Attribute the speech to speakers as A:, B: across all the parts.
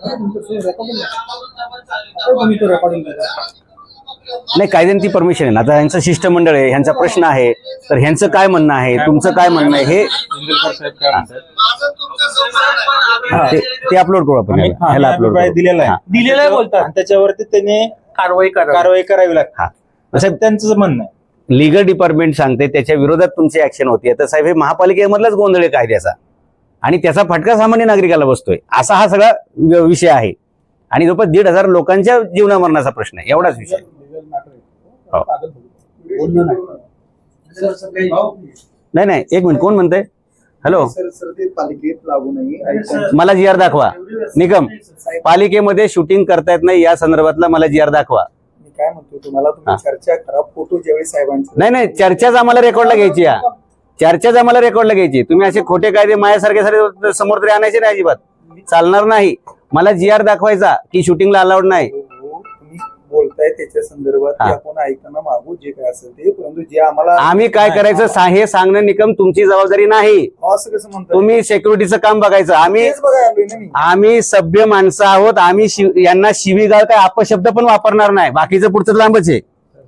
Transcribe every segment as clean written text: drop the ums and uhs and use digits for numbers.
A: नाही, कायद्याने ती परमिशन आहे ना. आता ह्यांचं शिष्टमंडळ आहे, ह्यांचा प्रश्न आहे, तर ह्यांचं काय म्हणणं आहे, तुमचं काय म्हणणं आहे हे ते अपलोड करू आपण. ह्याला अपलोड
B: दिलेला आहे बोलतात, त्याच्यावरती त्यांनी कारवाई करावी लागते, त्यांचं म्हणणं आहे.
A: लीगल डिपार्टमेंट सांगते त्याच्या विरोधात तुमची ऍक्शन होती. तर साहेब, हे महापालिकेमधलाच गोंधळ आहे कायद्याचा, आणि त्याचा फटका सामान्य नागरिकाला बसतोय, असा हा सगळा विषय आहे. आणि जवळपास 1,500 लोकांच्या जीवनामरणाचा प्रश्न आहे, एवढाच विषय. नाही, एक मिनिट, कोण म्हणतंय? हॅलो, मला GR दाखवा. निकम, पालिकेमध्ये शूटिंग करतायत नाही या संदर्भातला मला GR दाखवा.
C: काय म्हणतो तुम्हाला, तुम्ही चर्चा करा. फोटो ज्यावेळी साहेबांचे
A: नाही, चर्चाच आम्हाला रेकॉर्डला घ्यायची. चर्चाच आम्हाला रेकॉर्डला घ्यायची. तुम्ही असे खोटे कायदे माझ्यासारखे समोर तरी आणायचे नाही, अजिबात चालणार नाही. मला GR दाखवायचा की शूटिंगला अलाउड नाही.
C: तुम्ही बोलताय त्याच्या संदर्भात आपण ऐकणं मागू जे काय असेल ते, परंतु जे आम्हाला
A: आम्ही काय करायचं हे सांगणं निकम तुमची जबाबदारी नाही.
C: असं कसं म्हणतो
A: तुम्ही सिक्युरिटीचं काम बघायचं. आम्ही सभ्य माणसं आहोत. आम्ही यांना शिवीगाळ काय अपशब्द पण वापरणार नाही. बाकीचं पुढचं लांबच आहे.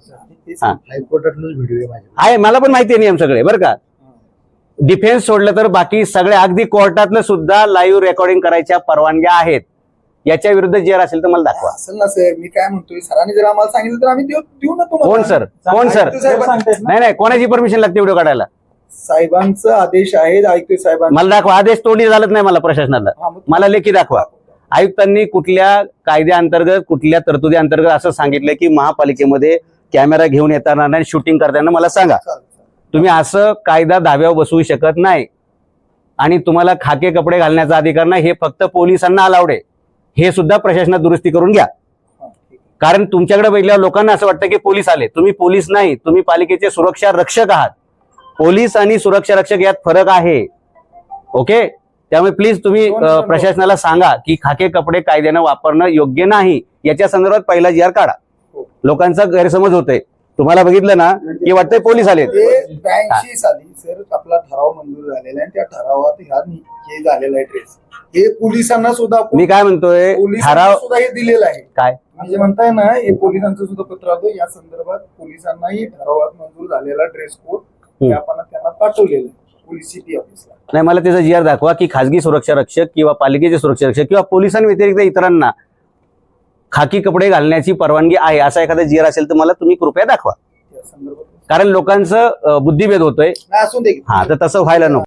A: आहे, मला पण माहिती आहे नियम सगळे, बरं का. डिफेन्स सोडलं तर बाकी सगळे अगदी कोर्टातलं सुद्धा लाईव्ह रेकॉर्डिंग करायच्या परवानग्या आहेत. याच्या विरुद्ध GR असेल तर मला दाखवा.
C: असेल ना सर, मी काय म्हणतोय, सरांनी जर आम्हाला सांगितलं तर आम्ही देऊ ना तुम्हाला.
A: कोण सर? नाही, कोणाची परमिशन लागते व्हिडिओ काढायला?
C: साहेबांचा आदेश आहे, ऐकतोय साहेबांचा.
A: मला दाखवा. आदेश तोंडी झालत नाही मला प्रशासनाला. मला लेखी दाखवा. आयुक्तांनी कुठल्या कायद्याअंतर्गत, कुठल्या तरतुदी अंतर्गत असं सांगितलं की महापालिकेमध्ये कॅमेरा घेऊन येताना नाही, शूटिंग करताना मला सांगा. तुम्ही असं कायदा धाब्यावर बसवू शकत नाही. आणि तुम्हाला खाके कपडे घालण्याचा अधिकार नाही, हे फक्त पोलिसांना अलाउड आहे. हे सुद्धा प्रशासनात दुरुस्ती करून घ्या. कारण तुमच्याकडे बघितल्यावर लोकांना असं वाटतं की पोलीस आले. तुम्ही पोलीस नाही, तुम्ही पालिकेचे सुरक्षा रक्षक आहात. पोलीस आणि सुरक्षा रक्षक यात फरक आहे. ओके, त्यामुळे प्लीज तुम्ही प्रशासनाला सांगा की खाके कपडे कायद्यानं वापरणं योग्य नाही. याच्या संदर्भात पहिला GR काढा. लोकांचा गैरसमज होतोय. तुम्हाला बघितलं ना की वाटतंय पोलीस आले.
C: 82 साली सर आपला ठराव मंजूर झालेला आहे, त्या ठरावात हे झालेला आहे ड्रेस. हे पोलिसांना सुद्धा,
A: मी काय म्हणतोय, ठराव
C: सुद्धा हे दिलेलं आहे.
A: काय
C: म्हणजे म्हणताय ना, हे पोलिसांचं सुद्धा पत्र आलं या संदर्भात. पोलिसांनाही ठरावात मंजूर झालेला ड्रेस कोड आपण त्यांना पाठवलेला पोलीस सिटी ऑफिसला.
A: नाही, मला त्याचा GR दाखवा की खासगी सुरक्षा रक्षक किंवा पालिकेचे सुरक्षा रक्षक किंवा पोलिसांव्यतिरिक्त इतरांना खाकी कपडे घालण्याची परवानगी आहे असा एखादा GR असेल तर मला तुम्ही कृपया दाखवा. कारण लोकांचं बुद्धिभेद होतोय. तर तसं व्हायला नको.